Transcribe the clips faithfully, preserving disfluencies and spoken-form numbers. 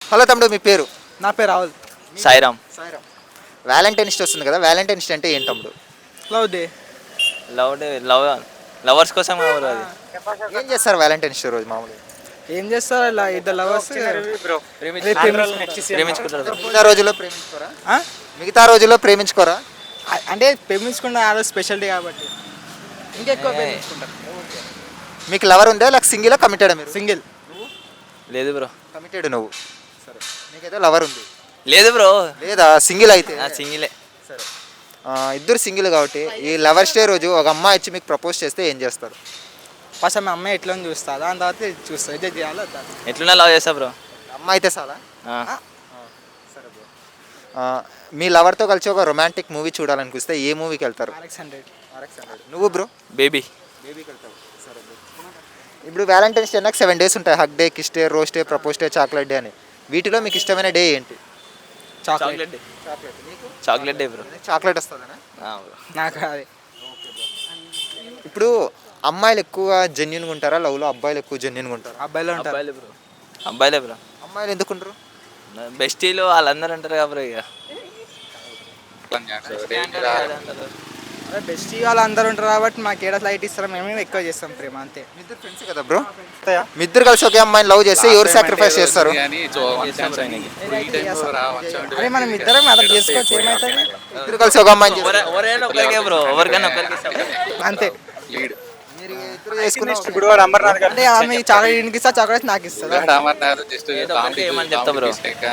Hello తమ్ముడు, మీ పేరు? నా పేరు రాహుల్. సాయిరామ్. సాయిరామ్. వ్యాలంటైన్స్ డే వస్తుంది కదా, వ్యాలంటైన్స్ డే అంటే ఏంటి తమ్ముడు? Love day. Love day love lovers కోసం ఎవరు అది ఏం చేస్తారు వ్యాలంటైన్స్ డే రోజు మామూలుగా? ఏం చేస్తారు ఇలా ఇద్దరు లవర్స్ ప్రేమించుకుంటారు bro. మిగతా రోజుల్లో ప్రేమించుకోరా? మిగతా రోజుల్లో ప్రేమించుకోరా? అంటే ప్రేమించుకున్న ఆ రోజు స్పెషల్ డే కాబట్టి ఇంకెక్కువ ప్రేమించుకుంటారు. మీకు లవర్ ఉందా, లేక సింగిల్ కమిటెడ్? మీరు సింగిల్. లేదు బ్రో. కమిటెడ్ నువ్వు. సరే, నీకైతే లవర్ ఉంది. లేదు బ్రో. లేదా సింగిల్ అయితే? సింగిలే. సరే, ఆ, ఇద్దరు సింగిల్ కాబట్టి ఈ లవర్స్ డే రోజు ఒక అమ్మాయి వచ్చి మీకు ప్రపోజ్ చేస్తే ఏం చేస్తారు? ఫస్ట్ ఆమె అమ్మాయి ఎట్లా ఉంది చూస్తా, దాని తర్వాత చూస్తా ఇదే చేయాలి వద్దా. ఎట్లున్నా లవ్ చేస్తా బ్రో. అమ్మాయి అయితే చాలా. సరే బ్రో, మీ లవర్తో కలిసి ఒక రొమాంటిక్ మూవీ చూడాలనిపిస్తే ఏ మూవీకి వెళ్తారు? RX hundred. నువ్వు బ్రో? బేబీ. బేబీకి వెళ్తావు. సరే బ్రో, ఇప్పుడు వ్యాలంటైన్స్ డే నాకు సెవెన్ డేస్ ఉంటాయి. Hug day, kiss day, rose day, propose day, chocolate day అని. వీటిలో మీకు ఇష్టమైన డే ఏంటి? Chocolate day. చాక్లెట్. నీకు? Chocolate day bro. చాక్లెట్ వస్తుందనా? బ్రో. నాకు అది ఇప్పుడు అమ్మాయిలు ఎక్కువ జెన్యున్గా ఉంటారా లవ్లో, అబ్బాయిలు ఎక్కువ జెన్యున్గా ఉంటారా? అబ్బాయిలో ఉంటారు. అబ్బాయిలే బ్రో. అబ్బాయిలే బ్రో. అమ్మాయిలు ఎందుకు ఉండరు? బెస్టీలు వాళ్ళందరూ అంటారు కదా బ్రో. ఇక అదే బెస్ట్ వాళ్ళు అందరూ ఉంటారు కాబట్టి మాకు ఏడా లైట్ ఇస్తారో మేము ఎక్కువ చేస్తాం ప్రేమ అంతే. మీ ఇద్దరు ఫ్రెండ్స్ కదా బ్రో? మీ ఇద్దరు కలిసి ఒకే అమ్మాయిని లవ్ చేస్తే ఎవరు సాక్రిఫైస్ చేస్తారు? అదే మనం ఇద్దరం అలా చేసుకోవచ్చు, ఏమవుతుంది? ఇద్దరు కలిసి ఒక అమ్మాయిని చేస్తారు. ఎవరైనా ఒకరికే బ్రో. ఎవరికైనా ఒకరికి ఇస్తాం అంతే. మీరు ఇద్దరు చేసుకున్న అంటే ఆమె చాక్లెట్ ఇంటికి ఇస్తా, చాక్లెట్ నాకు ఇస్తుంది. ఏమని చెప్తా బ్రో.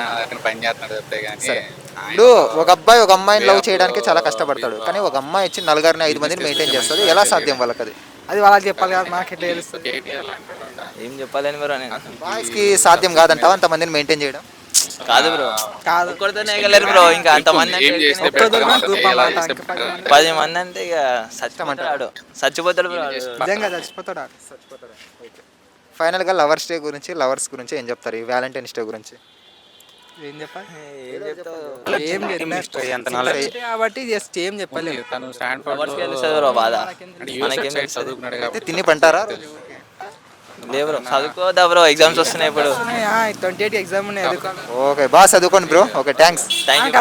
ఇప్పుడు ఒక అబ్బాయి ఒక అమ్మాయిని లవ్ చేయడానికి చాలా కష్టపడతాడు, కానీ ఒక అమ్మాయి వచ్చి నలుగురిని ఐదు మందిని మెయింటైన్ చేస్తుంది. ఎలా సాధ్యం వాళ్ళకి అది? అది వాళ్ళకి చెప్పాలి కదా, మాకు ఎట్లా తెలుస్తుంది? ఏం చెప్పాలని బ్రో నేను. బాయ్స్కి సాధ్యం కాదంటావా అంతమందిని మెయింటైన్ చేయడం? కాదు బ్రో. కాదు, ఒక్కరితోనే ఎగలేరు బ్రో. ఇంకా అంతమంది అంటే ఒక్కరు దొరికినా గ్రూప్ అన్నమాట, ఇంకా పది మంది. పది మంది అంటే ఇక చచ్చిపోతాడు. చచ్చిపోతాడు బ్రో. నిజంగా చచ్చిపోతాడు ఆడు. ఫైనల్గా లవర్స్ డే గురించి, లవర్స్ గురించి ఏం చెప్తారు? ఈ వ్యాలంటైన్స్ డే గురించి ఏం చెప్పాలి? ఏం చెప్తావు? ఏం చెప్పలేదు కాబట్టి జస్ట్ ఏం చెప్పలేదు. లవర్స్కి తెలుస్తుంది బ్రో బాధ. మనకేం తెలుస్తుంది? అయితే తిని పంటారా? లేదు బ్రో. చదువుకోవద్దా బ్రో? ఎగ్జామ్స్ వస్తున్నాయి ఇప్పుడు. ట్వంటీ ఎయిట్ ఎగ్జామ్ ఉన్నాయి. ఓకే, బాగా చదువుకోండి bro. Okay, thanks. Thank you.